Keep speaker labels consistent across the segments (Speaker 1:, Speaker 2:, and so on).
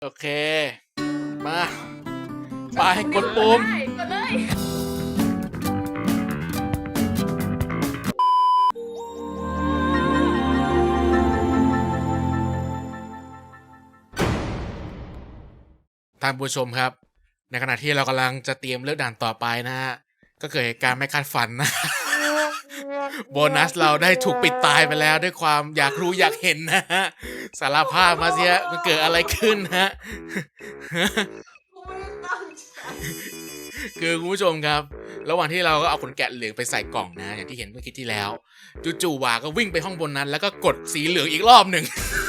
Speaker 1: โอเค มาไปกดปุ่ม
Speaker 2: กดเลย
Speaker 1: ท่านผู้ชมครับ ในขณะที่เรากำลังจะเตรียมเลือกด่านต่อไปนะฮะ ก็เกิดเหตุการณ์ไม่คาดฝันนะ โบนัสเราได้ถูกปิดตายไปแล้วด้วยความอยากรู้อยากเห็นนะฮะ สารภาพมาเสียมันเกิดอะไรขึ้นฮะ คือคุณผู้ชมครับ ระหว่างที่เราก็เอาขนแกะเหลืองไปใส่กล่องนะ อย่างที่เห็นเมื่อกี้ที่แล้ว จู่ๆวาก็วิ่งไปห้องบนนั้น แล้วก็กดสีเหลืองอีกรอบหนึ่ง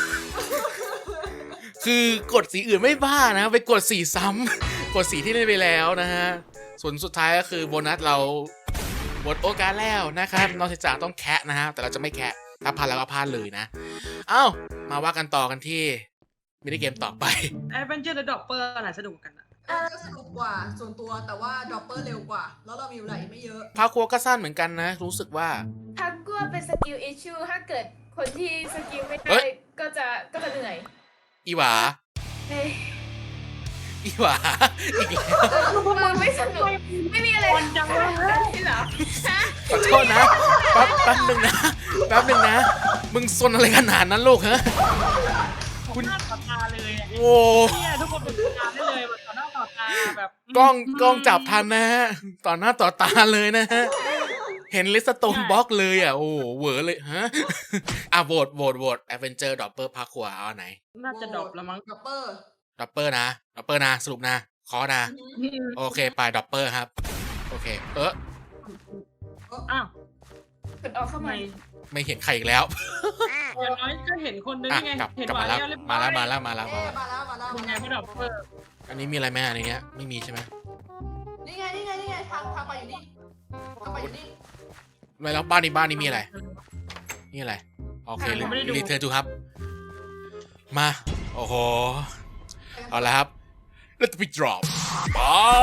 Speaker 1: คือกดสีอื่นไม่บ้านะไปกดสีซ้ำ กดสีที่ได้ไปแล้วนะฮะส่วนสุดท้ายก็คือโบนัสเราหมดโอกาสแล้วนะครับนอกจากต้องแคะนะฮะแต่เราจะไม่แคะถ้าพลาดแล้วก็พลาดเลยนะเอ้ามาว่ากันต่อกันที่มินิเกมต่อไป
Speaker 3: แอดเวนเจอร์และดอปเปอร์อะไรสนุกกันอะ
Speaker 4: ก็สนุกกว่าส่วนตัวแต่ว่าดรอปเปอร์เร็วกว่า แล้วเรามีเวลาอีกไม่เยอะ
Speaker 1: พาครัวก็สั้นเหมือนกันนะ รู้สึกว่า
Speaker 2: ทักกัวเป็นสกิลอิชชูถ้าเกิดคนที่สกิลไม่
Speaker 1: เฮ้
Speaker 2: ได้
Speaker 1: ย
Speaker 2: ก็จะเหนื่อย
Speaker 1: อีหวา
Speaker 2: เฮ้ย
Speaker 1: อีหวาอีกแล้ว
Speaker 2: มันไม่สนุกไม่มีอะไรทำได้เหรอฮะ
Speaker 1: ขอโทษนะแป๊บหนึ่งนะแป๊บหนึ่งนะมึงซนอะไรขนาดนั้นลูกฮะ
Speaker 3: คุณหน้าต่อตาเลยอะ
Speaker 1: โอ้
Speaker 3: เนี่ยทุกคนเป็นงานได้เลยแบบต่อหน้าต่อตาแบบ
Speaker 1: กล้องจับทันนะฮะต่อหน้าต่อตาเลยนะฮะเห็นลิสโตนบล็อกเลยอ่ะโอ้เหวอเลยฮะอ่ะโหวตแอดเวนเจอร์ดอปเปอร์พาครัวเอาอันไหน
Speaker 3: น่าจะดรอปแล้วมั้ง
Speaker 4: ดรอปเปอร์
Speaker 1: ดอปเปอร์นะสรุปนะขอนะโอเคไปดอปเปอร์ครับโอเค
Speaker 3: อ้าว
Speaker 2: กดออกเข้า
Speaker 3: ทำไม
Speaker 2: มา
Speaker 1: ไม่เห็นใครอีกแล้ว
Speaker 3: อย่างน้อยก็เห็นคนนึง
Speaker 1: อ่ะ
Speaker 3: ไง
Speaker 1: กลับ
Speaker 3: เห็น
Speaker 1: กลับ
Speaker 3: หวาน
Speaker 1: มาแล้ว
Speaker 3: แล้วเรียบร้
Speaker 1: มา
Speaker 3: อย
Speaker 1: แล้ว
Speaker 4: มาแล้ว
Speaker 3: ยังไงไม่ดรอปเปอร์
Speaker 1: อันนี้มีอะไรไหมอันนี้ไม่มีใช่ไหม
Speaker 4: นี่ไงทางไปอยู่นี่ทางไปอยู่นี่
Speaker 1: ไม่แล้วบ้านนี้มีอะไรนี่อะไรโอเครีเทิร์นทูครับมาโอ้โหเอาละครับ Let me drop ไป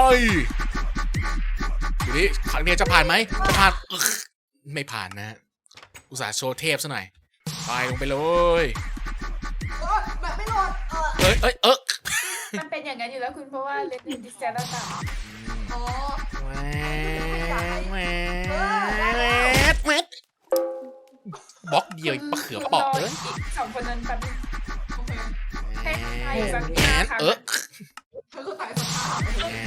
Speaker 1: ดูดิครั้งนี้จะผ่านไหมจะผ่านไม่ผ่านนะฮะอุตส่าห์โชว์เทพซะหน่อยไปลงไปเลย
Speaker 4: แบบไม่รอด
Speaker 2: มันเป็นอย่างนั้นอยู่แล้วคุณเพราะว่าเลนส์ดิสแทนต่าง
Speaker 4: อ๋อ
Speaker 1: แหวดบล็อกเดียวมะเขือเปอกเลย
Speaker 2: อีกสองคนนั้นแป๊บนึง
Speaker 4: โอเค
Speaker 2: ให้ให้สัก
Speaker 1: แงน
Speaker 4: เธอก็ตายสักครั้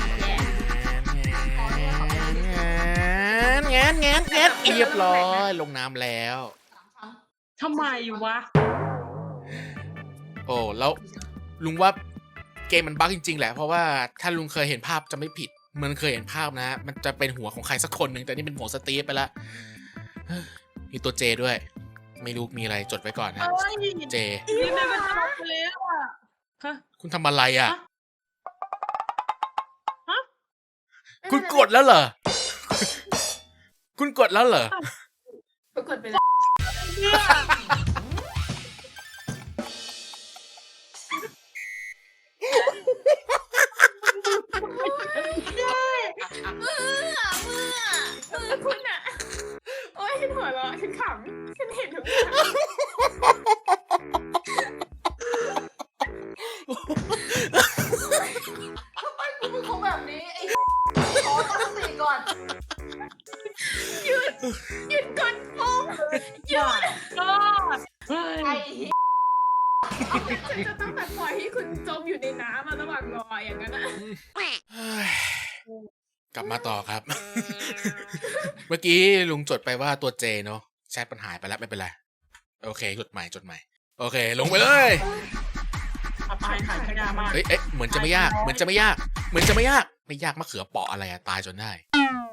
Speaker 4: ง
Speaker 1: แงนเรียบร้อยลงน้ำแล้ว
Speaker 4: 3 ครั้ง
Speaker 3: ทำไมวะ
Speaker 1: โอ้แล้วลุงว่าเกมมันบั๊กจริงๆแหละเพราะว่าถ้าลุงเคยเห็นภาพจะไม่ผิดมันเคยเห็นภาพนะมันจะเป็นหัวของใครสักคนหนึ่งแต่นี่เป็นหัวสตีฟไปละมีตัวเจด้วย ไม่รู้มีอะไรจดไว้ก่อนนะ
Speaker 3: เอ้ย
Speaker 1: เจ
Speaker 3: นี่มันก็ดรอปไปแล้วอะฮะ
Speaker 1: คุณทำอะไรอ่ะ
Speaker 3: ฮะ
Speaker 1: คุณกดแล้วเหรอ คุณกดแล้วเหรอ
Speaker 2: ปรากฏไปแล้ว
Speaker 3: เนี่ย
Speaker 2: มือคุณอ่ะโอ้ยฉันหัวเราะฉันขำฉันเห็นทุกอย่าง
Speaker 4: ทำไมกูเป็นคนแบบนี้ไอ้ขอตั้งสติก่อน
Speaker 2: หยุดกดปุ่มหยุด
Speaker 3: ก็เฮ้ย
Speaker 4: ไอ้
Speaker 2: ฉันจะต้องแบบปล่อยให้คุณจมอยู่ในน้ำมาระหว่างรออย่างนั้นอะ
Speaker 1: กลับมาต่อครับ เมื่อกี้ลุงจดไปว่าตัวเจเนาะแชทปัญหายไปแล้วไม่เป็นไรโอเคจดใหม่โอเค ลงไปเลย
Speaker 3: เอาไปขายขยะมา
Speaker 1: เอ๊ะเหมือนจะไม่ยากไม่ยากมะเขือเปาะอะไรอะตายจนได้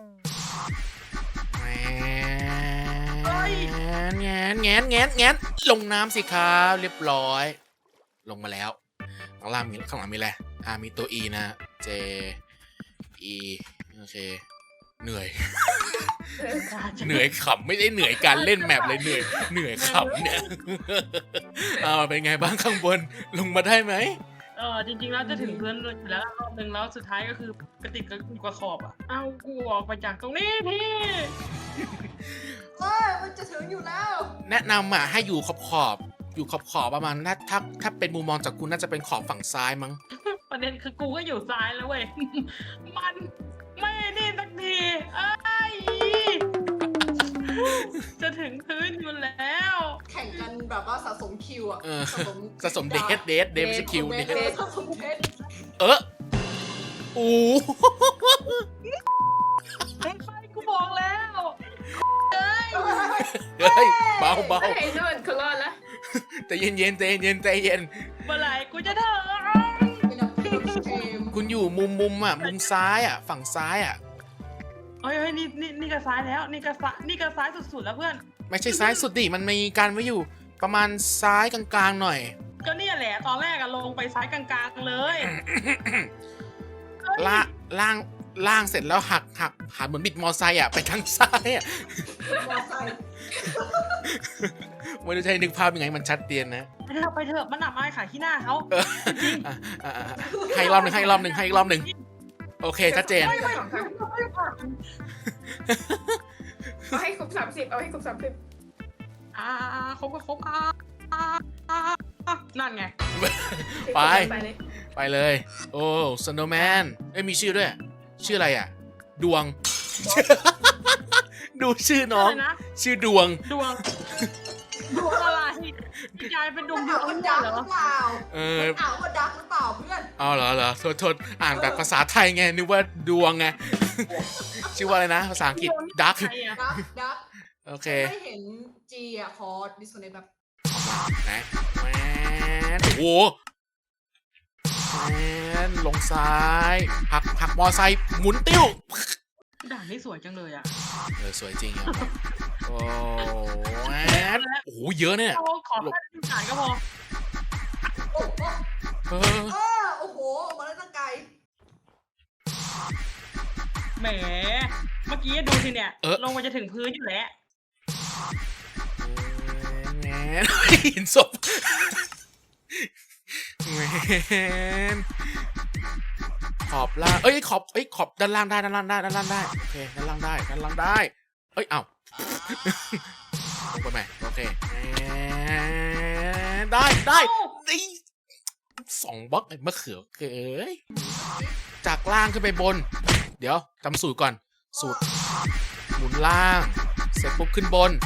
Speaker 1: แงนลงน้ำสิครับเรียบร้อย ลงมาแล้วข้างหลังมีอะไรมีตัว E นะ J E โอเคเหนื่อยขำไม่ได้เหนื่อยการเล่นแมปเลยเหนื่อยขำเนี่ย เป็นไงบ้างข้างบนลงมาได้ไหม
Speaker 3: จริงๆแล้วจะถึงเพื่อนอยู่แล้วรอบนึงแล้วสุดท้ายก็คือกระติกกับขอบอ่ะเอากูออกไปจากตรงนี้พี่
Speaker 4: มันจะถึงอยู่แล้ว
Speaker 1: แนะนำให้อยู่ขอบอยู่ขอบประมาณถ้าเป็นมุมมองจากคุณน่าจะเป็นขอบฝั่งซ้ายมั้ง
Speaker 3: ประเด็นคือกูก็อยู่ซ้ายแล้วเว้ย มันไม่นี่สักทีเอ้ยจะถึงพื้นอยู่แล้ว
Speaker 4: แข่งกันแบบว่าสะสมคิวอะ
Speaker 1: สะสมเดทไม่ใช่คิว
Speaker 4: เด
Speaker 1: เดท
Speaker 4: ทสะสมเดท
Speaker 1: โอ้
Speaker 3: ไอ้ไฟกูบอกแล้วเอ้ย
Speaker 1: เฮ้ยเบา
Speaker 2: ไอ้นู่นเขารอดแล้ว
Speaker 1: ใจเย็นใจเย็น
Speaker 3: เมื่อไหร่กูจะเถอะ
Speaker 4: เป็นแบบเกม
Speaker 1: คุณอยู่มุมอ่ะมุมซ้ายอ่ะฝั่งซ้ายอ่ะ
Speaker 3: เฮ้ยนี่ก็ซ้ายแล้วนี่ก็ซ้ายสุดๆแล้วเพื่อน
Speaker 1: ไม่ใช่ซ้ายสุดดิมันมีการไว้อยู่ประมาณซ้ายกลางๆหน่อย
Speaker 3: ก็เนี่ยแหละตอนแรกอะลงไปซ้ายกลางๆเลยเฮ้ย
Speaker 1: ล่างเสร็จแล้วหันเหมือนบิดมอไซค์อ่ะไปทางซ้ายอ่ะ
Speaker 4: มอไซค์
Speaker 1: ไม่ได้ใช้นึกภาพยังไงมันชัดเจนนะ
Speaker 3: ไปเถอะมันอับอายขายขี้หน้าเขา
Speaker 1: ให้รอบหนึ่งโอเคชัดเจน
Speaker 3: ไม่
Speaker 2: เอาให้ครบ30เอาให้ครบ30
Speaker 3: ครบก็ครบนั่นไง
Speaker 1: ไป
Speaker 2: เลย
Speaker 1: ไปเลย โอ้สโนว์แมนมีชื่อด้วย ชื่ออะไรอ่ะ ดวง ดูชื่อน้อง
Speaker 3: อะไรนะ
Speaker 1: ชื่อดวง
Speaker 3: ดวงอะไรยายเป็นดวง
Speaker 4: อ่านว่า
Speaker 3: เห
Speaker 4: ดัก
Speaker 3: ร
Speaker 4: ห
Speaker 3: อ
Speaker 4: รือเปล่า
Speaker 1: เออ
Speaker 4: อ่านว่าดักหรือเปล่าเพื่อน
Speaker 1: เอาเหรอโทษอ่านแบบภาษาไทยไงนึกว่าดวงไง ชื่อว่าอะไรนะ ภาษาอังกฤษดัก
Speaker 3: ใครอะ
Speaker 4: ดัก
Speaker 1: โอเค
Speaker 4: ไม่เห็นจีอะขอดิสโคเนตแบบ
Speaker 1: ไหนแมนโอ้โหแมนลงซ้ายหักมอไซค์หมุนติ้ว
Speaker 3: ด่านนี้สวยจังเลยอะ
Speaker 1: สวยจริงอ่ะโอ้แมนโอ้โหเยอะเนี่ย
Speaker 3: ขอแค่ด่านก็พอ
Speaker 4: โอ้โห
Speaker 1: เออ
Speaker 4: โอ้โหมาแล้วตั้งไกล
Speaker 3: แหมเมื่อกี้ดูสิเนี่ยลงมาจะถึงพื้นอยู่แล้ว
Speaker 1: แมนเห็นศพแมนขอบล่างขอบด้านล่างได้โอเคด้านล่างได้เอ้ยเอ้าลงไปไหมโอเคได้2 บล็อกมะเขือเกยจากล่างขึ้นไปบน เดี๋ยวจำสูตรก่อนสูตรหมุนล่างเสร็จปุ๊บขึ้นบน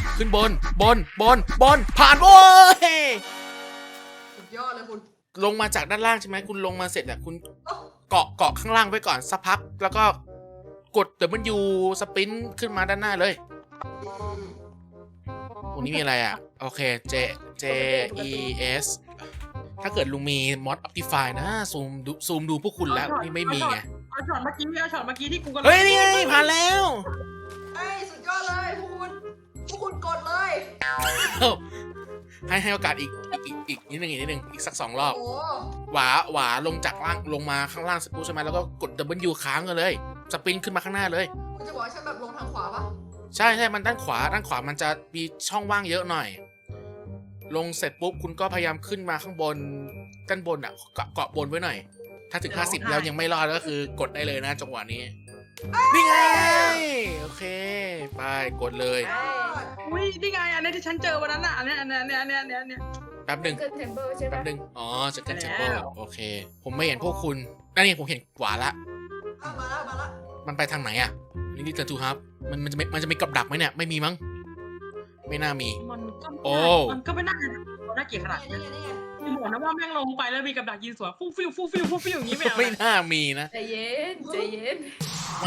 Speaker 1: ผ่านโว้ย
Speaker 4: สุดยอดเลยคุณ
Speaker 1: ลงมาจากด้านล่างใช่ไหมคุณลงมาเสร็จอ่ะคุณ
Speaker 4: โอ้
Speaker 1: เกาะข้างล่างไว้ก่อนสักพักแล้วก็กดWสปรินต์ขึ้นมาด้านหน้าเลยตรงนี้มีอะไรอ่ะโอเค J E S ถ้าเกิดลุงมีมอด Optify นะซูมดูพวกคุณแล้วนี่ไม่มีไง
Speaker 3: เอาช็อตเมื่อกี้ที่กูกำลัง
Speaker 1: เฮ้ยนี่ไงผ่านแล้ว
Speaker 4: เอ้ยสุดยอดเลยพวกคุณกดเลย
Speaker 1: ให้โอกาสอีกนิดนึงอีกสัก2 รอบ
Speaker 4: โอ้
Speaker 1: หวาลงจากล่างลงมาข้างล่างสปูใช่ไหมแล้วก็กด W ค้างกันเลยสปรินต์ขึ้นมาข้างหน้าเลย
Speaker 4: คุณจะบอกว่าฉันแบบลงทางขวาปะ
Speaker 1: ใช่มันด้านขวามันจะมีช่องว่างเยอะหน่อย ลงเสร็จปุ๊บคุณก็พยายามขึ้นมาข้างบนด้านบนอ่ะเกาะบนไว้หน่อย ถ้าถึง50แล้วยังไม่รอดก็คือกดได้เลยนะจังหวะนี้นี่ไงโอเคไปกดเลย
Speaker 3: อุ้ยนี่ไงอันนี้ที่ฉันเจอวันนั้นอ่ะอันเนี้ย
Speaker 1: แป๊บหนึ่ง
Speaker 2: เกินเทมเบอร์ใช่ปะ
Speaker 1: อ๋อจะกันเชมเบอร์โอเค ผมไม่เห็นพวกคุณนี่ผมเห็นขวาละ
Speaker 4: มาละ
Speaker 1: มันไปทางไหนอ่ะนี่เจอทูครับมันจะมีกับดักไหมเนี่ยไม่มีมั้งไม่น่ามี
Speaker 3: มันก็ไม่น่าเกลียดขนาดนี้
Speaker 4: นี่ไง
Speaker 3: บอกนะว่าแม่งลงไปแล้วมีกับดักยิงสวนฟู่ฟิวอย่างนี้ไม่เอา
Speaker 1: ไม่น่ามีนะ
Speaker 2: ใจเย็น
Speaker 1: แหม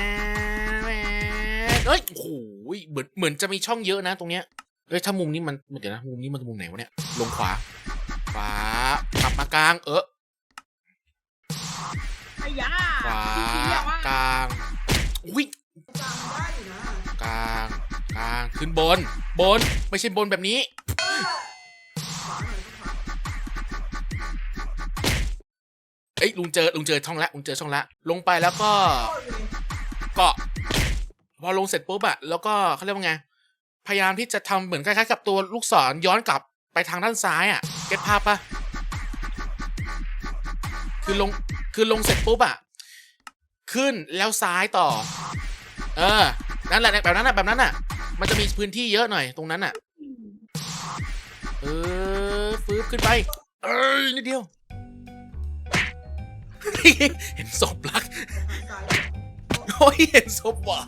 Speaker 1: เอ้ยโอ้โหเหมือนจะมีช่องเยอะนะตรงเนี้ยเอ้ยถ้ามุมนี้มันเดี๋ยวนะมุมนี้มันมุมไหนวะเนี่ยลงขวากลับมากลาง
Speaker 3: ไอ้ยา
Speaker 1: ขวากลางอุ้ย
Speaker 4: จำได้อยู่นะ
Speaker 1: กลางขึ้นบนไม่ใช่บนแบบนี้
Speaker 4: ขวาหน่อยขวา
Speaker 1: เอ้ยลุงเจอช่องละลงไปแล้วก็
Speaker 4: โอ้ย
Speaker 1: เกาะพอลงเสร็จปุ๊บอะแล้วก็เขาเรียกว่าไงพยายามที่จะทำเหมือนคล้ายๆกับตัวลูกศรย้อนกลับไปทางด้านซ้ายอะเก็ตภาพปะคือลงเสร็จปุ๊บอะขึ้นแล้วซ้ายต่อนั่นแหละแบบนั้นอะมันจะมีพื้นที่เยอะหน่อยตรงนั้นอะฟื้นขึ้นไป นิดเดียว เห็นศพรัก
Speaker 4: ตาย
Speaker 1: โอ้ยเห็นศพหวา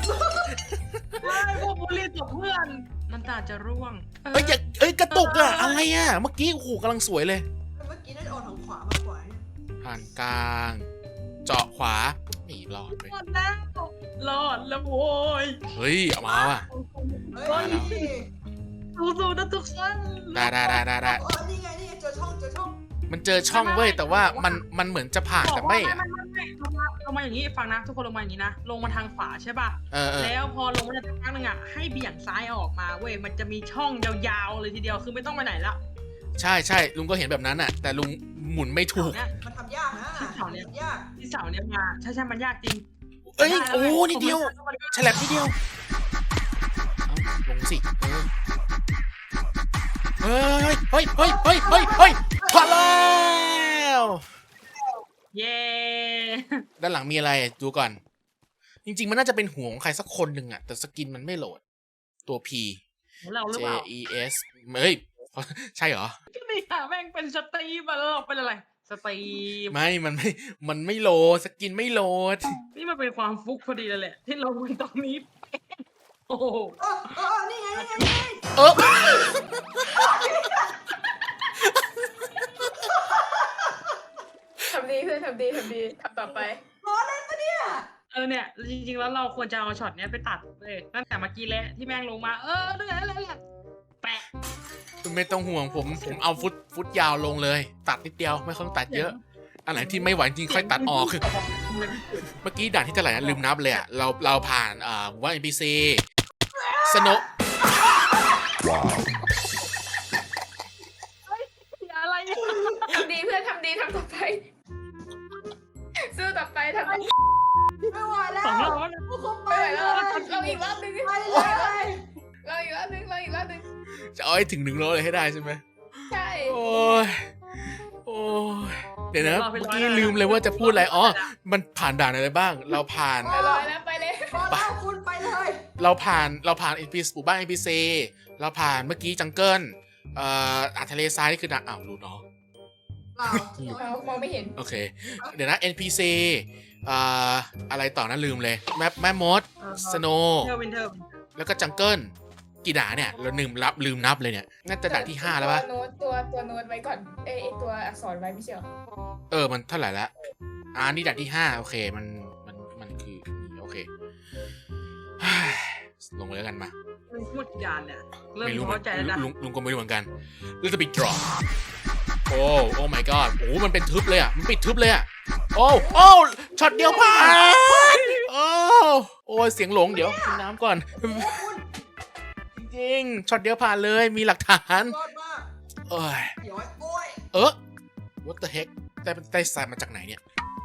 Speaker 3: พวกบุรีตกเพื่อนน้ำตาจะร่วง
Speaker 1: เอ้ยอย่าเอ้ยกระตุกอะอะไรอะเมื่อกี้โอ้โหกำลังสวยเลย
Speaker 4: เมื่อกี้น่าจะออกทางขวามากกว่า
Speaker 1: ผ่านกลาง เจาะขวาไม่รอดไป
Speaker 3: รอดแล้วรอดแล้วโว้ย
Speaker 1: เฮ้ยเอามาว่ะ
Speaker 4: เฮ้ย
Speaker 3: สู้ๆนะทุกคน
Speaker 1: ได้
Speaker 4: นี่ไงเจอช่อง
Speaker 1: มันเจอช่องเว้ยแต่ว่ามันเหมือนจะผ่านแต่ไม่อะ
Speaker 3: ลงมาอย่างนี้ฟังนะทุกคนลงมาอย่างนี้นะลงมาทางขวาใช่ป่ะ
Speaker 1: เออ
Speaker 3: แล้วพอลงมาจากทางนึงอ่ะให้เบี่ยงซ้ายออกมาเว้ยมันจะมีช่องยาวๆเลยทีเดียวคือไม่ต้องไปไหนละ
Speaker 1: ใช่ลุงก็เห็นแบบนั้นอะแต่ลุงหมุนไม่ถูก
Speaker 3: เนี่ย
Speaker 4: มันทำยากนะยาก
Speaker 3: ที่เสาเนี่ยมาใช่มันยากจริง
Speaker 1: เอ้ยโอ้นิดเดียวฉลับนิดเดียวเอาลงสิเฮ้ยผ่านแล้ว
Speaker 3: เย้
Speaker 1: ด้านหลังมีอะไรดูก่อน จริงๆมันน่าจะเป็นหัวของใครสักคนหนึ่งอะแต่สกินมันไม่โหลดตัว P
Speaker 3: เราหรือ
Speaker 1: J
Speaker 3: เปล่า
Speaker 1: E S เฮ้ยใช่เหรอ
Speaker 3: ก็นี่ค่ะแม่งเป็นสตรีมมาแล้วเราเป็นอะไรสตรีม
Speaker 1: มันไม่โหลดสกินไม่โหลด
Speaker 3: นี่มันเป็นความฟุกพอดีเลยแหละที่เราเป็นตรงนี้โอ้โห
Speaker 4: นี่ไง
Speaker 1: เออ
Speaker 2: ทำดีเพื่อนทำดีทำต่อไป
Speaker 4: ล้อเล่นปะเนี่ย
Speaker 3: เนี่ยจริงๆแล้วเราควรจะเอาช็อตเนี้ยไปตัดเลยตั้งแต่เมื่อกี้แล้วที่แม่งลงมานั่นแหละแปะ
Speaker 1: ไม่ต้องห่วงผมเอาฟุตยาวลงเลย ตัดนิดเดียวไม่ต้องตัดเยอะ อันไหนที่ไม่ไหวจริงค่อยตัดออก เมื่อกี้ด่านที่เท่าไหร่นะลืมนับเลยอะเราผ่านว่า NPC สโน
Speaker 3: อะไรเนี่ย
Speaker 2: ทำดีเพื่อนทำต่อไปสู้ต่อไปทำต่อไป
Speaker 4: ไม่ไหวแล้ว
Speaker 3: สองรอบแล้ว
Speaker 4: พวกคุณไป
Speaker 2: ไม่ไหว
Speaker 4: เล
Speaker 2: แล้ว
Speaker 4: ย
Speaker 2: เราอีกรอบนึง
Speaker 4: ไปเลย
Speaker 2: เราอีกรอบนึง
Speaker 1: จะเอาให้ถึง100เลยให้ได้ใช่ไหม
Speaker 2: ใช่
Speaker 1: โอ้ยเดี๋ยวนะเมื่อกี้ลืมเลยว่าจะพูดอะไรอ๋อมันผ่านด่านอะไรบ้าง เราผ่าน
Speaker 2: ไปเลยแล้วไปเลย
Speaker 4: พอแล้วคุณไปเลย
Speaker 1: เราผ่าน NPC หมู่บ้าน NPC เราผ่านเมื่อกี้จังเกิลทะเลทรายนี่คือด่านรู้เนาะ
Speaker 2: เรามองไม่เห็น
Speaker 1: โอเค เดี๋ยวนะ NPC อะไรต่อนะลืมเลยแม่มดสโน
Speaker 3: เทอร์วินเทอร์
Speaker 1: แล้วก็จังเกิลกี่ด่านเนี่ยเราลืมนับเลยเนี่ยน่าจะด่านที่ 5 แล้วปะ
Speaker 2: ตัวโน้ตไว้ก่อนไอตัวอักษรไว้ไม่ใช่หรอ
Speaker 1: มันเท่าไหร่ละนี่ด่านที่ 5 โอเคมันคือโอเค ลงไปแล้วกันมา
Speaker 3: พูดยานเนี่ยเริ่ม
Speaker 1: ไม่รู้
Speaker 3: เข้าใจแล้วนะ
Speaker 1: ลุงก็ไม่รู้เหมือนกันแล้วจะไป drop โอ้ my god โอ้มันเป็นทึบเลยอ่ะมันปิดทึบเลยอ่ะโอ้ช็อตเดียวผ่านโอ้ยเสียงหลงเดี๋ยวกินน้ำก่อนจริงๆช็อตเดียวผ่านเลยมีหลักฐาน
Speaker 4: ยอดมาก
Speaker 1: โอ้ย
Speaker 4: เดี๋ยวโอ้ย
Speaker 1: what the heck ได้สายมาจากไหนเนี่ย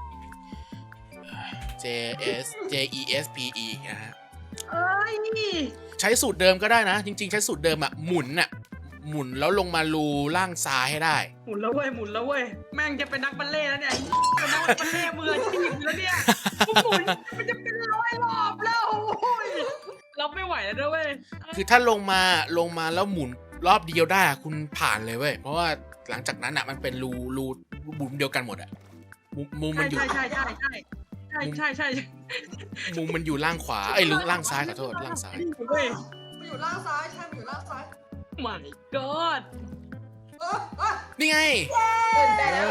Speaker 1: J E S P E นะฮะ
Speaker 3: เอ้ย
Speaker 1: ใช้สูตรเดิมก็ได้นะ จริงๆใช้สูตรเดิมอะหมุนแล้วลงมารูล่างซ้ายให้ได้
Speaker 3: หมุนแล้วเว้ยแม่งจะเป็นนักบัลเล่ต์แล้วเนี่ยเป็นนักบัลเล่ต์มืออาชีพแล้วเนี่ยหมุนมันจะเป็น100 รอบแล้วโอ้ยเราไม่ไหวแล้วด้วยเว้ย
Speaker 1: คือถ้าลงมาแล้วหมุนรอบเดียวได้อะคุณผ่านเลยเว้ยเพราะว่าหลังจากนั้นอะมันเป็นรูบุ๋มเดียวกันหมดอะมุมมันอยู่
Speaker 3: ใช่
Speaker 1: มุมมันอยู่ล่างขวาล่างซ้ายขอโทษล่างซ้าย
Speaker 3: เว้ย
Speaker 4: มันอยู่ล่างซ้ายใช่มันอยู่ล่างซ้าย
Speaker 3: my god
Speaker 1: นี่ไง
Speaker 2: ตื่นแต่แล้ว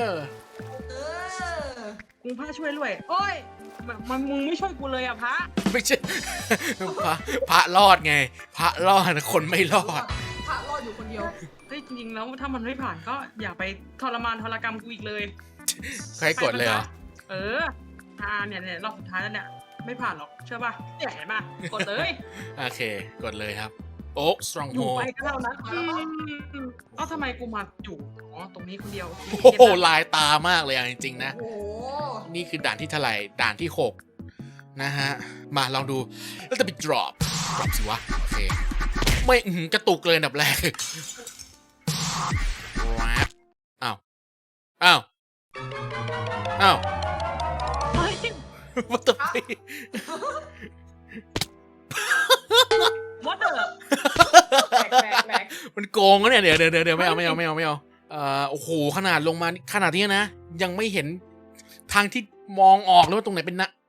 Speaker 3: กูพระช่วยด้วยโอ้ยมึงไม่ช่วยกูเลยอ่ะพระ
Speaker 1: ไม่ใช่ พระรอดไง พระรอดคนไม่รอด
Speaker 4: พระรอดอยู่คนเดียว
Speaker 3: เฮ้ยจริงๆแล้วถ้ามันไม่ผ่านก็อย่าไปทรกรรมกูอีกเลย
Speaker 1: ใครกดเลยเหรอ
Speaker 3: เนี่ยรอบสุดท้ายแล้วเนี่ยไม่ผ่านหรอกเชื่อป่ะเนี่ยเห็นป่ะกดเลย
Speaker 1: โอเคกดเลยครับโอ๊กสตรอง
Speaker 3: อ
Speaker 1: โฮ
Speaker 3: ยู่ไปก็เท่านั้นทำไมกูมาอยู่ตรงนี้คนเดียว
Speaker 1: โอ้โหลายตามากเลยอ่ะจริงๆนะ
Speaker 4: โอ้
Speaker 1: นี่คือด่านที่เท่าไหร่ด่านที่ 6 นะฮะ มาลองดูแล้วจะไป drop สิวะ โอเค ไม่กระตุกเลยอันดับแรกว้าวอ้าว what the fuck
Speaker 3: วัดเถอะ
Speaker 2: แบก
Speaker 1: มันมันโกงนะเนี่ยเดี๋ยวไม่เอาโอ้โหขนาดลงมาขนาดนี้นะยังไม่เห็นทางที่มองออกเลยว่าตรงไหนเป็นนะ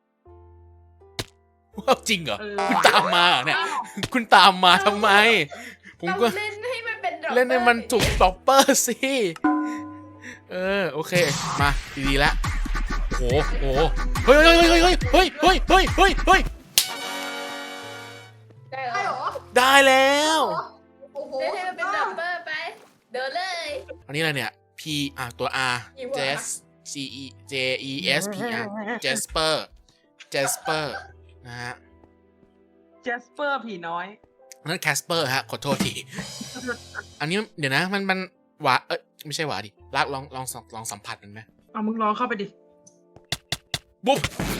Speaker 1: ว้าวจริงเหรอคุณตามมาเหรอเนี่ยคุณตามมาทำไมผมก็
Speaker 2: เล่นให้มันเป็น dropper
Speaker 1: เล่นให้มันจุกดรอปเปอร์สิโอเคมาดีๆแล้วโอ้โหเฮ้ย
Speaker 2: ได้เหร
Speaker 4: ได้เหร
Speaker 2: อ
Speaker 4: อ
Speaker 1: ได้แล้ว
Speaker 4: โอ้โห
Speaker 2: เล่นให้มันเป็น dropper ไป เดินเลย
Speaker 1: อันนี้อะไรเนี่ย P ตัว R
Speaker 2: กี่หัว
Speaker 1: Jes C E J E S P R Jasper นะฮะ
Speaker 3: เจสเปอร์ผีน้อย
Speaker 1: นั่น Casper ฮะขอโทษทีอันนี้เดี๋ยวนะมันหวานไม่ใช่หวานดิลากลองสัมผัสมันไหม
Speaker 3: เอามึงลองเข้าไปดิ
Speaker 1: บุ๊บ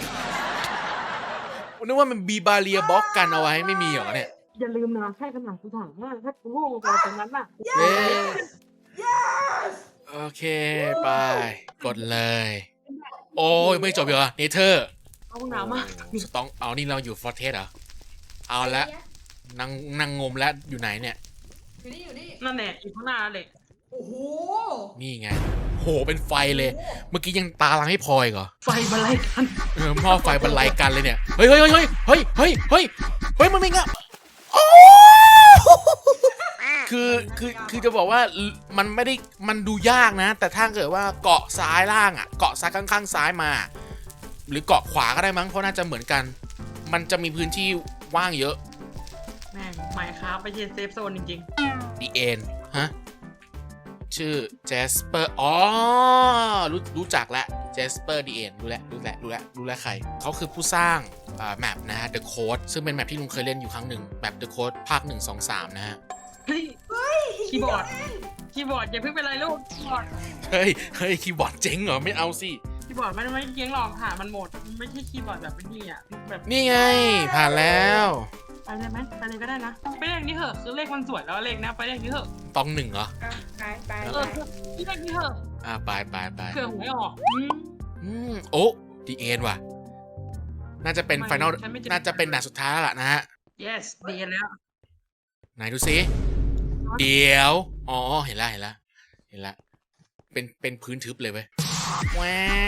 Speaker 1: นึกว่ามันบีบาเรียบล็อกกันเอาไว้ไม่มีเหรอเนี่ย
Speaker 3: อย่าลืมนะแค่ขนาดกูถามว่าถ้ากูล่วงลงไปตรงนั้นน่ะ
Speaker 1: เย้โอเคไปกดเลย โอ้ยไม่จบเหรอเนเธอร์
Speaker 3: เอาหนามาก
Speaker 1: ต้องเอานี่เราอยู่ฟอร์เทสเหรอเอาละนั่งงมแล้วอยู่ไหนเนี่ย
Speaker 4: อยู่นี่
Speaker 3: นั่นแหละอยู่ข้างหน้าเลย
Speaker 4: โอ้โห
Speaker 1: นี่ไงโหเป็นไฟเลย เมื่อกี้ยังตาลังให้พลอยเหรอ
Speaker 3: ไฟมาไล่กัน
Speaker 1: หม้อไฟบรรลัยกันเลยเนี่ยเฮ้ยมันไม่งะโอ้คือจะบอกว่ามันไม่ได้มันดูยากนะ แต่ถ้าเกิดว่าเกาะซ้ายล่างอ่ะเกาะซ้ายข้างๆซ้ายมา หรือเกาะขวาก็ได้มั้งเพราะน่าจะเหมือนกัน มันจะมีพื้นที่ว่างเยอะ
Speaker 3: แม่งหมายค้าไปเย็นเซฟโซนจริง
Speaker 1: ดีเอ็นฮะชื่อ Jasper อ๋อรู้จักแล้ว Jasper ดีเอ็นรู้แล้วใครเขาคือผู้สร้างแมปนะฮะ The Code ซึ่งเป็นแมปที่ลุงเคยเล่นอยู่ครั้งหนึ่งแมป The Code ภาค 1 2 3 นะฮะ
Speaker 3: ๆเฮ้ยคีย์บอร์ดอย่าเพิ่งเป็นไรลูกคีย์บอร์ด
Speaker 1: เฮ้ยคีย์บอร์ดเจ๋งเหรอไม่เอาสิ
Speaker 3: คีย์บอร์ดมันไม่เกี้ยงหรอกค่ะมันหมดไม่ใช่คีย์บอร์ดแบบเป็นนี่อ่ะแบบ
Speaker 1: นี่ไงผ่านแล้ว
Speaker 3: ไปเลยไหมไปเลยก็ได้นะไปเลขนี้เถอะคือเลขมันสวยแล้วเลขนะไปเลขนี้เถอะ
Speaker 1: ต้อง1เหรอ
Speaker 2: ไป
Speaker 3: เลขนี้เถอะ
Speaker 1: ไป
Speaker 3: เผื่อหวยออก
Speaker 1: โอ้ดีเอ็นว่ะน่าจะเป็นไฟนอลน่าจะเป็นด่านสุดท้ายแล้วล่ะนะฮะ
Speaker 3: yes ดีแล้ว
Speaker 1: ไหนดูซิเดี๋ยวอ๋อเห็นแล้วเป็นพื้นทึบเลยเว้ยแหวน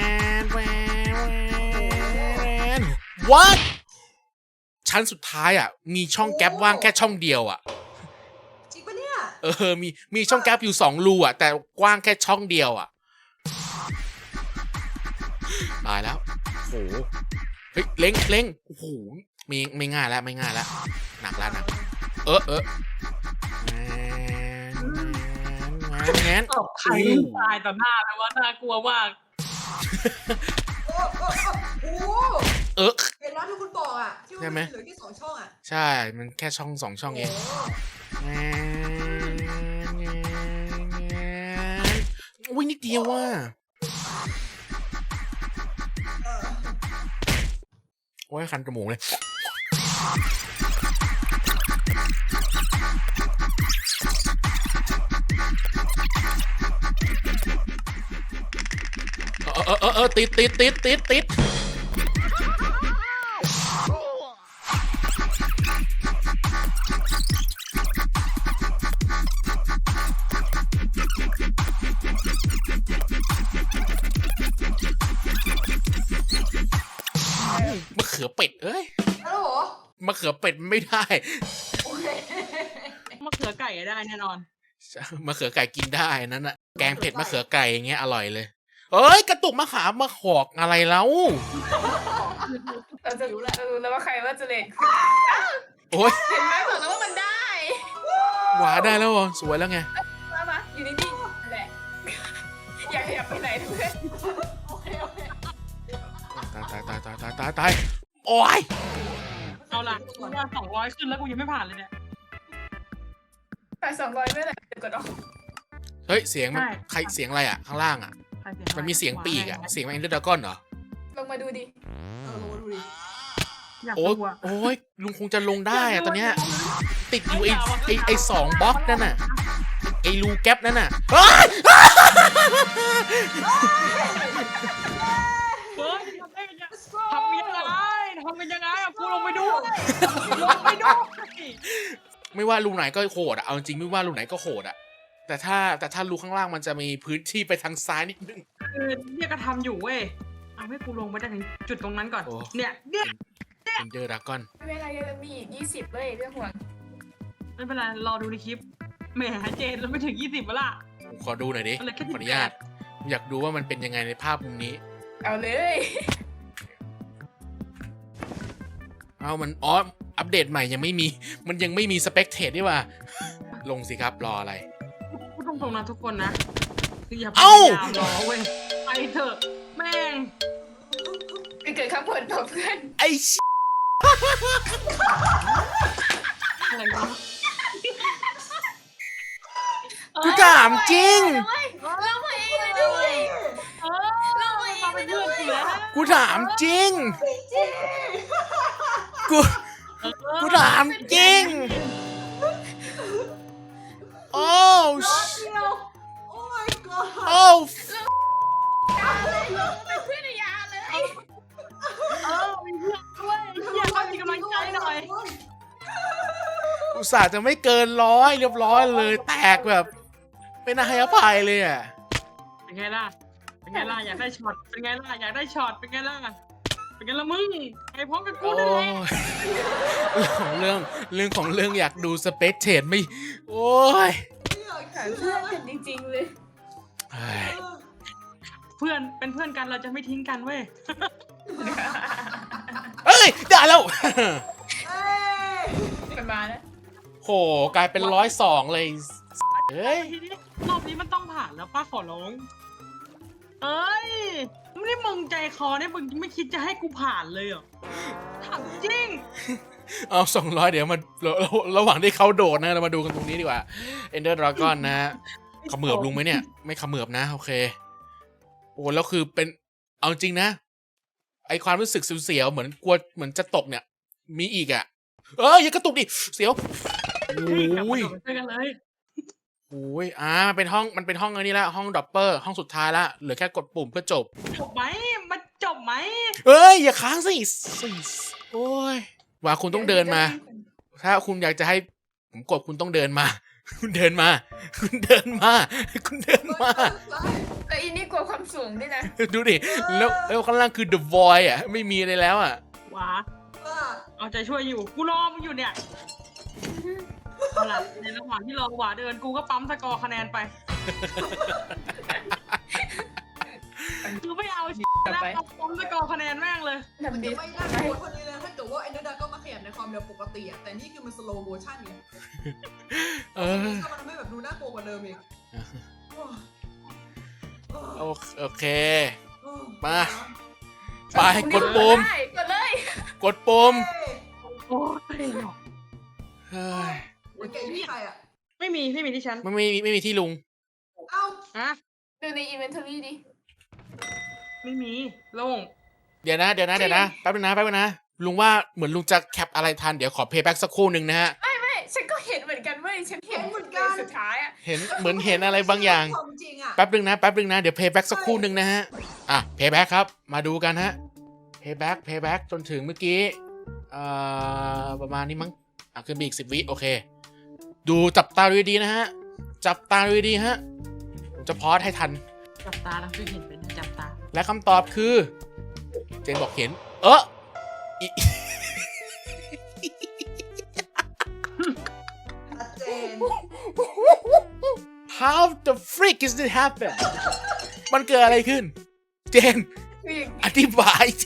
Speaker 1: what ชั้นสุดท้ายอ่ะมีช่องแก๊ปว่างแค่ช่องเดียวอ่ะ
Speaker 4: จริงปะเนี่ย
Speaker 1: มีช่องแก๊ปอยู่2รูอ่ะแต่กว้างแค่ช่องเดียวอ่ะตายแล้วโหเฮ้ยเล้งโอ้โหไม่ง่ายแล้วหนักแล้วงั้น
Speaker 3: ใครตายต่อหน้าแล้วว่าน่ากลัวมาก
Speaker 4: โอ้โหเห็นแล้วที่คุณบอกอ่ะที่ว่ามันเหลือแค่2 ช่องอ่ะ
Speaker 1: ใช่มันแค่ช่อง2 ช่องเองอุ้ยนิดเดียวว่ะโอ้ยคันจมูกเลยติดมะเขือเป็ดเอ้ย
Speaker 4: ฮัลโหล
Speaker 1: มะเขือเป็ดไม่ได้
Speaker 4: โอเค
Speaker 3: มะเขือไก่ได้แน่นอน
Speaker 1: มะเขือไก่กินได้นั่นน่ะแกงเผ็ดมะเขือไก่อย่างเงี้ยอร่อยเลยเอ้ยกระตุกมะขามมาขอกอะไรแล้ว
Speaker 2: เราจะรู้แล้วว่าใครว่าจะเล่น
Speaker 1: โอ้ย
Speaker 2: เห็นไหมบอกแล้วว่ามันได้
Speaker 1: หวาได้แล้วเหรอสวยแล้วไง
Speaker 2: มาอยู่นิ่งๆนั่นแหละอยากขยับไปไหนทุกคน
Speaker 4: โอเค
Speaker 1: ตายโอ้ย
Speaker 3: เอาล่ะว่า200ขึ้นแล้วกูยังไม่ผ่านเลยเนี่ย
Speaker 2: แต่200ไม่แหละเดี๋ยวกดออก
Speaker 1: เฮ้ยเสียงมันใครเสียงอะไรอ่ะข้างล่างอ่ะ
Speaker 3: ใครเสียงอะไร
Speaker 1: มันมีเสียงปีกอ่ะเสียงมันเอ็นเดอร์ดากอนเหรอ
Speaker 2: ลงมาดูดิ
Speaker 4: ดูดิ
Speaker 3: อยาก
Speaker 1: โอ้ย
Speaker 3: ดูอะ
Speaker 1: โอ้ยลุงคงจะลงได้อะตอนเนี้ยติดอยู่ไอ้2 บล็อกนั่นน่ะไอ้รูแก๊ปนั่นน่ะเฮ้ย
Speaker 3: เฮ้ยทำยังไงอะกูลงไปดู
Speaker 1: ไม่ว่ารูไหนก็โหดอะเอาจริงไม่ว่ารูไหนก็โหดอะแต่ถ้ารูข้างล่างมันจะมีพื้นที่ไปทางซ้ายนิดนึง
Speaker 3: คือเนี่ยก็ทำอยู่เว้ยเอาให้กูลงไปได้ถึงจุดตรงนั้นก่อน
Speaker 1: โอ้
Speaker 3: เนี่ย
Speaker 1: เอนเดอร์ดากอน
Speaker 2: ไม่เป็นไรจะมีอีก20เลยเรื่องห่วง
Speaker 3: ไม่เป็นไรรอดูในคลิปแหมเจนเราไม่ถึง20แล้วล่ะ
Speaker 1: ขอดูหน่อยดิ
Speaker 3: อะไรแค่
Speaker 1: ขออนุญาตอยากดูว่ามันเป็นยังไงในภาพมุมนี้
Speaker 2: เอาเลย
Speaker 1: เอามันอ๋ออัปเดตใหม่ยังไม่มีมันยังไม่มีสเปกเทดนี่ว่าลงสิครับรออะไร
Speaker 3: พูดตรงๆนะทุกคนนะคืออย่าพ
Speaker 1: เอ้า
Speaker 3: ยายามรอเว้ยไปเถอะแม่ง
Speaker 2: ไปเกิดข้างบนต่อเพื่อน
Speaker 1: ไอ้
Speaker 3: อะไรวะ
Speaker 1: กูถามจริง
Speaker 2: เรามาเองเลยด้วย
Speaker 3: เออมาเป็นเพื่อนกูแล้ว
Speaker 1: กูถามจริงกูถามจริงโอ้
Speaker 4: เดียวโอ้ my god
Speaker 1: โอ้
Speaker 2: ยาเลยเป็นเพื่อนในยาเลย
Speaker 3: มีเพื่อนด้วยอยากให้มีกำลังใจหน่อย
Speaker 1: อุตส่าห์จะไม่เกิน100เรียบร้อยเลยแตกแบบไม่น่าให้อภัยเลยอ่ะ
Speaker 3: เป็นไงล่ะเป็นไงล่ะอยากได้ช็อตเป็นไงล่ะอยากได้ช็อตเป็นไงล่ะเป็นไงล่ะมึงไอ้พร้อมกับกู
Speaker 1: โอ้
Speaker 3: นั่นแหละ
Speaker 1: ยเรื่องของเรื่องอยากดูสเปกเทดไม่โอ้ย
Speaker 2: หาเพื่อนกันจริงๆเลย
Speaker 1: เฮ้ย
Speaker 3: เพื่อนเป็นเพื่อนกันเราจะไม่ทิ้งกันเว้ย
Speaker 1: เอ้ยได้แล้ว
Speaker 4: เอ้ย
Speaker 2: มันมาแล้ว
Speaker 1: โหกลายเป็น102เลยเฮ้ย
Speaker 3: ทีนี้รอบนี้มันต้องผ่านแล้วป้าขอร้องเอ้ยไม่ได้มึงใจคอเนี่ยมึงไม่คิดจะให้กูผ่านเลยเหรอถามจริง
Speaker 1: เอา200เดี๋ยวมาระหว่างที่เขาโดดนะเรามาดูกันตรงนี้ดีกว่า Ender Dragon นะฮะเขมือบลุงไหมเนี่ยไม่เขมือบนะโอเคโอ้แล้วคือเป็นเอาจริงนะไอความรู้สึกเสียวๆเหมือนกลัวเหมือนจะตกเนี่ยมีอีกอ่ะอย่ากระตุกดิเสียว
Speaker 3: กลับ
Speaker 1: โอ้
Speaker 3: มาย โดดด้วยกันเลย
Speaker 1: โอ้ยมันเป็นห้องอันนี้ละห้องดอปเปอร์ห้องสุดท้ายละเหลือแค่กดปุ่มเพื่อจบ
Speaker 3: จบไหมมันจบไหม
Speaker 1: เอ้ยอย่าค้างสิโอ้ยว่าคุณต้องเดินมา ถ้าคุณอยากจะให้ผมกดคุณต้องเดินมา คุณเดินมา คุณเดินมา คุณเดินมา
Speaker 2: แล้วอีนี่กลัวความสูงด้วยนะ
Speaker 1: ดูดิแล้วข้างล่างคือ The Void อ่ะไม่มีอะไรแล้วอ่ะ
Speaker 3: หวาเอาใจช่วยอยู่กูรอมึงอยู่เนี่ยเอาล่ะในระหว่างที่รอหวาเดินกูก็ปั๊มสกอร์คะแนนไปคือไม่เอาแล้วเอาปั๊มสกอร์คะแนนแม่งเลย
Speaker 2: ทำดี
Speaker 4: ไม่น่าโกรธคนนี้เลยถ้าเกิดว่าไอ้นัดดาก็มาขยับในความเร็วปกติอะแต่นี่คือมันสโลว์โมชั่นไง ถ้ามันไม่แบบดูน่ากลัวกว่าเดิมอีก
Speaker 1: โอเค มา ไปกดปุ่ม
Speaker 2: ได้กดเลย
Speaker 1: กดปุ่ม
Speaker 3: โอ้ย
Speaker 1: เฮ้ย
Speaker 4: เฮ้ยแกอยู่ที่ใครอะ
Speaker 3: ไม่มีที่ฉัน
Speaker 1: ไม่มีที่ลุง
Speaker 4: เอ้า
Speaker 3: ฮะ
Speaker 2: ดูในอินเวนทอรี่ดิ
Speaker 3: ไม่มีโล่ง
Speaker 1: เดี๋ยวนะแป๊บนึงนะลุงว่าเหมือนลุงจะแคปอะไรทันเดี๋ยวขอเพย์แบ็กสักครู่หนึ่งนะฮะ
Speaker 2: ไม่ฉันก็เห็นเหมือนกันเว้ยฉันเห็นสุดท้ายอะ
Speaker 1: เหมือนเห็นอะไรบางอย่าง
Speaker 4: ความจริงอะ
Speaker 1: แป๊บนึงนะเดี๋ยวเพย์แบ็กสักครู่หนึ่งนะฮะเพย์แบ็กครับมาดูกันฮะเพย์แบ็กจนถึงเมื่อกี้ประมาณนี้มั้งขึ้นไปอีก10 วิโอเคดูจับตาดูดีๆนะฮะจับตาดูดีๆฮะผมจะพอสให้ทัน
Speaker 3: จับตาแล้วคือเห็นเป็นจับตา
Speaker 1: และคำตอบคือเจนบอกเห็นอี
Speaker 4: ชัดเจน
Speaker 1: How the freak is this happen มันเกิดอะไรขึ้น เจน อธิบายที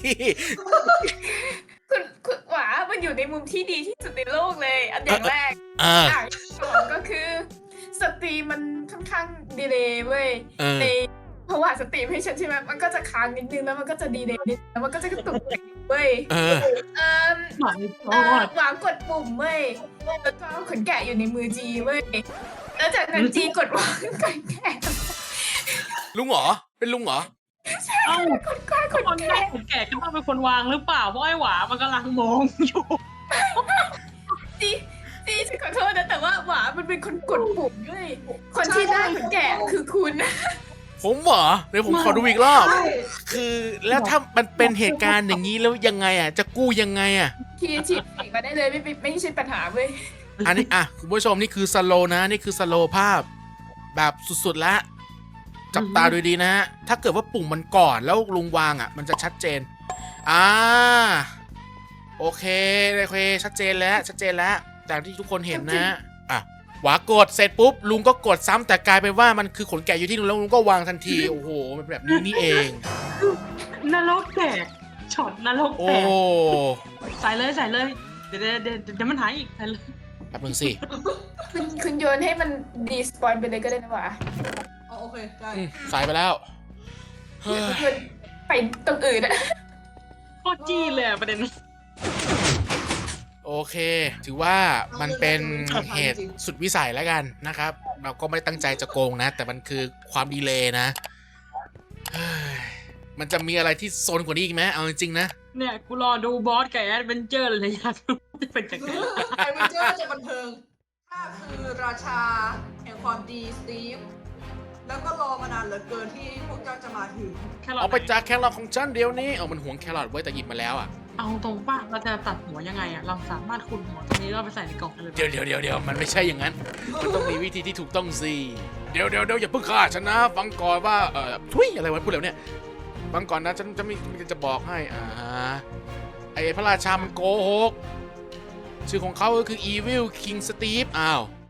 Speaker 2: คุณหวามันอยู่ในมุมที่ดีที่สุดในโลกเลย อันอย่างแรก อย่างสองก็คือสตรีมมันค่อนข้างดีเลย์เว้ยในเพราะว่าสตรีมให้ฉันใช่ไหมมันก็จะค้างนิดนึงแล้วมันก็จะดีเลย์นิดแล้วมันก็จะกระตุกเว้ยหวางกดปุ่มเว้ยแล้วก็ขนแกะอยู่ในมือจีเว้ยแล้วจากนั้นจีกดวางขนแกะ
Speaker 1: ลุงเหรอเป็นลุงเหรอ
Speaker 3: เอ้า
Speaker 2: ขนแกะ
Speaker 3: คนแก่คนแก่ก็ต้องเป็นคนวางหรือเปล่าเพราะไอ้หวามันกำลังมองอยู่
Speaker 2: จีฉันขอโทษนะแต่ว่าหวามันเป็นคนกดปุ่มด้วยคนที่ได้ขนแกะคือคุณ
Speaker 1: ผมเหรอเดี๋ยวผมขอดูอีกรอบ
Speaker 4: ใช่
Speaker 1: คือแล้วถ้ามันเป็นเหตุการณ์อย่างนี้แล้วยังไงจะกู้ยังไง
Speaker 2: คีย์ฉีดมาได้เลยไม่ใช่ปัญหาเว้ย
Speaker 1: อันนี้คุณผู้ชมนี่คือสโลนะนี่คือสโลภาพแบบสุดๆแล้วจับตาดูดีนะฮะถ้าเกิดว่าปุ่มมันก่อนแล้วลุงวางมันจะชัดเจนโอเคชัดเจนแล้วแต่ที่ทุกคนเห็นนะหวากดเสร็จปุ๊บลุงก็กดซ้ำแต่กลายเป็นว่ามันคือขนแกะอยู่ที่ลุงแล้วลุงก็วางทันทีโอ้โหมันแบบนี้นี่เอง
Speaker 3: นรกแตกช็อตนรกแต
Speaker 1: โอ้
Speaker 3: กใส่เลยเดี๋ยวมันหายอีกใส่เลย
Speaker 1: แป๊บนึงสิ
Speaker 2: คุณโยนให้มันดีสปอยไปเลยก็ได้นะวะ
Speaker 4: โอเคได้
Speaker 1: สายไปแล้วเฮ้ย
Speaker 2: โยนไปตรงอื่นอะ
Speaker 3: โคตรจี้เลยประเด็น
Speaker 1: โอเค ถือว่ามันเป็นเหตุสุดวิสัยแล้วกันนะครับ เราก็ไม่ตั้งใจจะโกงนะ แต่มันคือความดีเลย์นะเฮ้ยมันจะมีอะไรที่โซนกว่านี้อีกไหมเอาจริงๆนะ
Speaker 3: เนี่ยกูรอดูบอสกับแอดเวนเจอร์เลยอยากรู้จะเป็นยังไง
Speaker 4: ไอเวนเจอร์จะบันเทิงถ้าคือราชาแห่งความดีสตีฟแล้วก็รอมานานเหลือเกินที่พวกเจ้าจะมาถึง
Speaker 1: เอาไปจากแครอทของฉันเดี๋ยวนี้มันหวงแครอทไว้แต่หยิบมาแล้ว
Speaker 3: เอาตรงป่ะเราจะตัดหัวยังไงเราสามารถขุดหัวตรงนี้เราไปใส่ในกล่องได้เลย
Speaker 1: เดี๋ยวมันไม่ใช่อย่างนั้นมันต้องมีวิธีที่ถูกต้องสิเดี๋ยวอย่าเพิ่งฆ่าฉันนะฟังก่อนว่าทุยอะไรวะพูดแล้วเนี่ยฟังก่อนนะฉันจะบอกให้ไอ้พระราชามันโกหกชื่อของเขาก็คือ Evil King Steve อ้าว